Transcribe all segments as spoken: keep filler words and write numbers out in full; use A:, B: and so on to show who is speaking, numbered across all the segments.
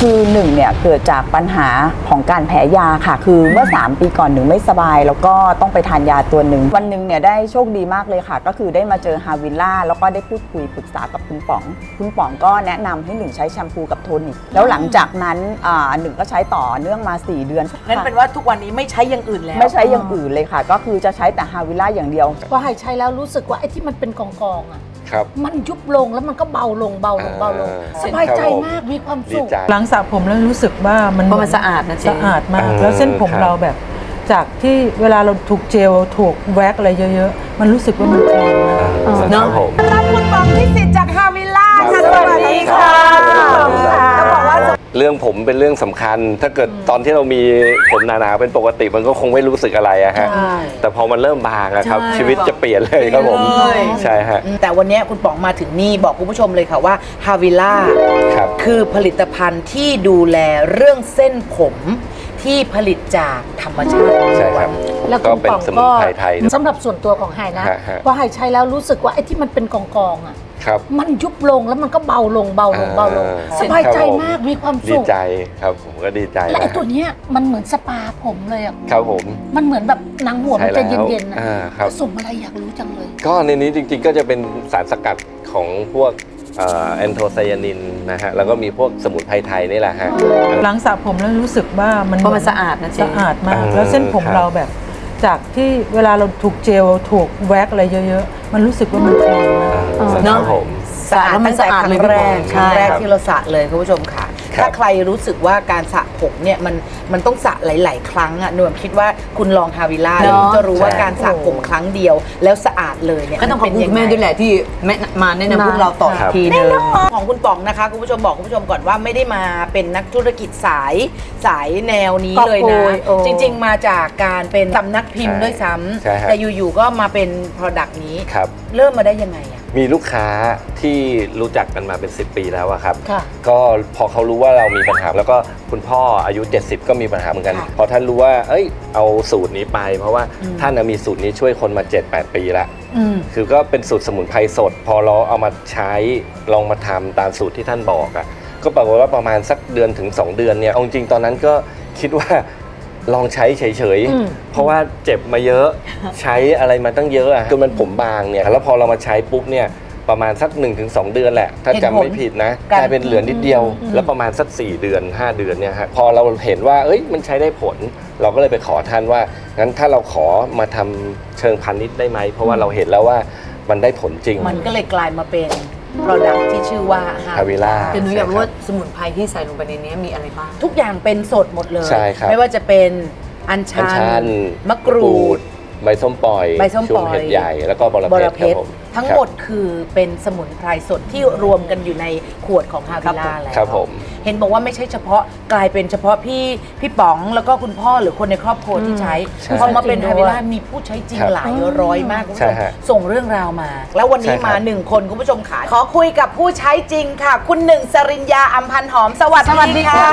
A: คือหนึ่งเนี่ยเกิดจากปัญหาของการแพ้ยาค่ะคือเมื่อสามปีก่อนหนึ่งไม่สบายแล้วก็ต้องไปทานยาตัวหนึ่งวันหนึ่งเนี่ยได้โชคดีมากเลยค่ะก็คือได้มาเจอฮาวิลล่าแล้วก็ได้พูดคุยปรึกษากับคุณป๋องคุณป๋องก็แนะนำให้หนึ่งใช้แชมพูกับโทนิกแล้วหลังจากนั้นหนึ่งก็ใช้ต่อเนื่องมาสี่เดือน
B: นั่นเป็นว่าทุกวันนี้ไม่ใช้อย่างอื่นแล้ว
A: ไม่ใช้อย่างอื่นเลยค่ะก็คือจะใช้แต่ฮาวิลล่าอย่างเดียว
C: พอหายใช้แล้วรู้สึกว่าไอ้ที่มันเป็นกองๆอ่ะมันยุบลงแล้วมันก็เบาลงเบาลงเบาลงสบายใจมากมีความสุข
D: หลังสระผมแล้วรู้สึกว่ามัน
B: มันสะอาดนะเจ๊
D: สะอาดมากแล้วเส้นผมเราแบบจากที่เวลาเราถูกเจลถูกแว็กอะไรเยอะๆมันรู้สึกว่ามันคลีนมาก
B: เนาะรับคุณป๋องที่สิทธิ์จากฮาวิลล่าค่ะสวัสดีค่ะจะบอกว่า
E: เรื่องผมเป็นเรื่องสำคัญถ้าเกิดตอนที่เรามีผมหนาๆเป็นปกติมันก็คงไม่รู้สึกอะไรอะฮะแต่พอมันเริ่มบางอะครับชีวิตจะเปลี่ยนเลยครับผมใช่ฮะ
B: แต่วันนี้คุณป๋องมาถึงนี่บอกคุณผู้ชมเลยค่ะว่าฮาวิลล่าคือผลิตภัณฑ์ที่ดูแลเรื่องเส้นผมที่ผลิตจากธรรมชาติ
E: ใช่ครับ
C: แล้วคุณป๋องก็สำหรับส่วนตัวของไฮนะพอไฮใช้แล้วรู้สึกว่าไอ้ที่มันเป็นกองๆอ่ะมันยุบลงแล้วมันก็เบาลงเบาลงเบาลงสบายใจมากมีความสุข
E: ดีใจครับผมก็ดีใจ
C: แล้วไอ้ตัวเนี้ยมันเหมือนสปาผมเลยอ่ะ
E: ครับผม
C: มันเหมือนแบบหนังหัวมันจะเย็นๆนะ
E: ผ
C: สมอะไรอยากรู้จังเลย
E: ก็ในนี้จริงๆก็จะเป็นสารสกัดของพวกแอนโทไซยานินนะฮะแล้วก็มีพวกสมุนไพรไทยนี่แหละฮะ
D: หลังสระผมแล้วรู้สึกว่ามัน
B: มันสะอาดนะ
D: สะอาดมากแล้วเส้นผมเราแบบจากที่เวลาเราถูกเจลถูกแว็กอะไรเยอะๆมันรู้สึกว่ามันคลีนมาก
E: เนาะ
B: สะอาดตั้งแต่ครั้งแรกครั้งแรกที่เราสระเลยคุณผู้ชมค่ะถ้าใครรู้สึกว่าการสระผมเนี่ยมันมันต้องสระหลายๆครั้งอ่ะหนูคิดว่าคุณลองฮาวิลล่าแล้วจะรู้ว่าการสระผมครั้งเดียวแล้วสะอาดเลยเนี่ย
F: ก็ต้องขอบคุณแม่ด้วยแหละที่แม่มาแนะนำพวกเราต่ออีกทีนึง
B: ของคุณป๋องนะคะคุณผู้ชมบอกคุณผู้ชมก่อนว่าไม่ได้มาเป็นนักธุรกิจสายสายแนวนี้เลยนะจริงๆมาจากการเป็นสำนักพิมพ์ด้วยซ้ำแต่อยู่ๆก็มาเป็น Product นี้เริ่มมาได้ยังไงอะ
E: มีลูกค้าที่รู้จักกันมาเป็นสิบปีแล้วอะครับก็พอเขารู้ว่าเรามีปัญหาแล้วก็คุณพ่ออายุเจ็ดสิบก็มีปัญหาเหมือนกันพอท่านรู้ว่าเอ้ยเอาสูตรนี้ไปเพราะว่าท่านมีสูตรนี้ช่วยคนมา เจ็ดแปด ปีแล้วคือก็เป็นสูตรสมุนไพรสดพอเราเอามาใช้ลองมาทำตามสูตรที่ท่านบอกอะก็ปรากฏว่าประมาณสักเดือนถึงสองเดือนเนี่ยเอาจริงตอนนั้นก็คิดว่าลองใช้เฉยๆเพราะว่าเจ็บมาเยอะใช้อะไรมาตั้งเยอะจนมันผมบางเนี่ยแล้วพอเรามาใช้ปุ๊บเนี่ยประมาณสัก หนึ่งถึงสอง เดือนแหละถ้าจำไม่ผิดนะกลายเป็นเหลือนิดเดียวแล้วประมาณสักสี่เดือนห้าเดือนเนี่ยฮะพอเราเห็นว่าเอ้ยมันใช้ได้ผลเราก็เลยไปขอท่านว่างั้นถ้าเราขอมาทำเชิงพาณิชย์ได้ไหมเพราะว่าเราเห็นแล้วว่ามันได้ผลจริง
B: มันก็เลยกลายมาเป็นProduct ที่ชื่อว่า
E: ฮาวิลล่า
F: แต่หนูอยากรู้ว่าสมุนไพรที่ใส่ลงไปในนี้มีอะไรบ้าง
B: ทุกอย่างเป็นสดหมดเลย
E: ไม่
B: ว่าจะเป็นอัญชันมะกรูด
E: ใบส้มปล่อย
B: ใบส้มปล่อย
E: เห็ดใหญ่แล้วก็บรเพชร
B: ทั้งหมดคือเป็นสมุนไพรสดที่รวมกันอยู่ในขวดของฮาวิลล่าแล้วเห็นบอกว่าไม่ใช่เฉพาะกลายเป็นเฉพาะพี่พี่ป๋องแล้วก็คุณพ่อหรือคนในครอบครัวที่ใช้พอมาเป็นฮาวิลล่ามีผู้ใช้จริงหลายร้อยมากคุณผู้ชมส่งเรื่องราวมาแล้ววันนี้มาหนึ่งคนคุณผู้ชมขาขอคุยกับผู้ใช้จริงค่ะคุณหนึ่งสริญญาอัมพันธ์หอมสวัสดีค่ะ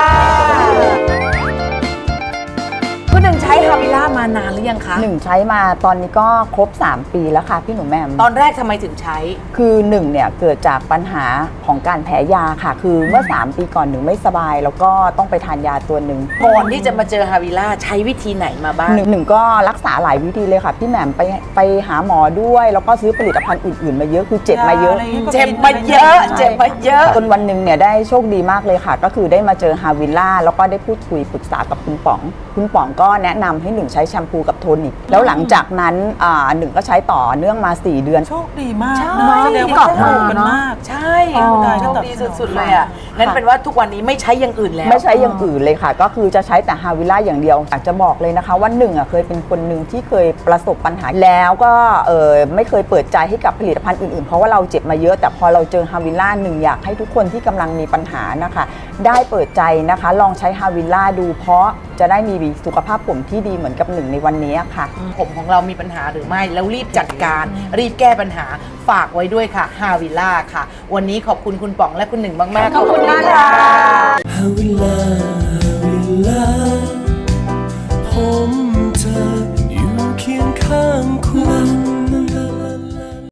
B: คุณหนึ่งใช้ฮาวิลล่ามานานหรือยังคะ
A: หนึ่งใช้มาตอนนี้ก็ครบสามปีแล้วค่ะพี่หนูแม่
B: ตอนแรกทำไมถึงใช้
A: คือหนึ่งเนี่ยเกิดจากปัญหาของการแพ้ยาค่ะคือเมื่อสามปีก่อนหนึ่งไม่สบายแล้วก็ต้องไปทานยาตัวหนึ่ง
B: ก่อนที่จะมาเจอฮาวิลล่าใช้วิธีไหนมาบ้าง
A: หนึ่งหนึ่งก็รักษาหลายวิธีเลยค่ะพี่แหม่มไปไปหาหมอด้วยแล้วก็ซื้อผลิตภัณฑ์อื่นๆมาเยอะคือเจ็บมาเยอะ
B: เจ็บมาเยอะเจ็บมาเยอะ
A: จนวันหนึ่งเนี่ยได้โชคดีมากเลยค่ะก็คือได้มาเจอฮาวิลล่าแล้วก็ได้พูดคุยปรึกษากับคุณป๋องคุณป๋องก็แนะนำให้หนึ่งใช้แชมพูกับโทนิกแล้วหลังจากนั้นหนึ่งก็ใช้ต่อเนื่องมาสี่เดือน
D: โชคดีมาก
B: แสดง
D: ว่าถูกกันมาก
B: ใช่โชคดีสุดๆเลยอ่ะนั่นเป็นว่าทุกวันนี้ไม่ใช้อย่างอื่นแล้ว
A: ไม่ใช้อย่างอื่นเลยค่ะก็คือจะใช้แต่ฮาวิลล่าอย่างเดียวอยากจะบอกเลยนะคะว่าหนึ่งอ่ะเคยเป็นคนหนึ่งที่เคยประสบปัญหาแล้วก็เออไม่เคยเปิดใจให้กับผลิตภัณฑ์อื่นๆเพราะว่าเราเจ็บมาเยอะแต่พอเราเจอฮาวิลล่าหนึ่งอยากให้ทุกคนที่กำลังมีปัญหานะคะได้เปิดใจนะคะลองใช้ฮาวิลล่าดูเพราะจะได้มีสุขภาพผมที่ดีเหมือนกับหนึ่งในวันนี้ค่ะ
B: ผมของเรามีปัญหาหรือไม่แล้วรีบจัดการรีบแก้ปัญหาฝากไว้ด้วยค่ะฮาวิลล่าค่ะวันนี้ขอบคุณคุณป๋องและคุณหนึ่งมากๆขอบคุณมากค่ะฮาวิลล่าฮาวิลล่าผมเธออยู่เคียงข้างคุณ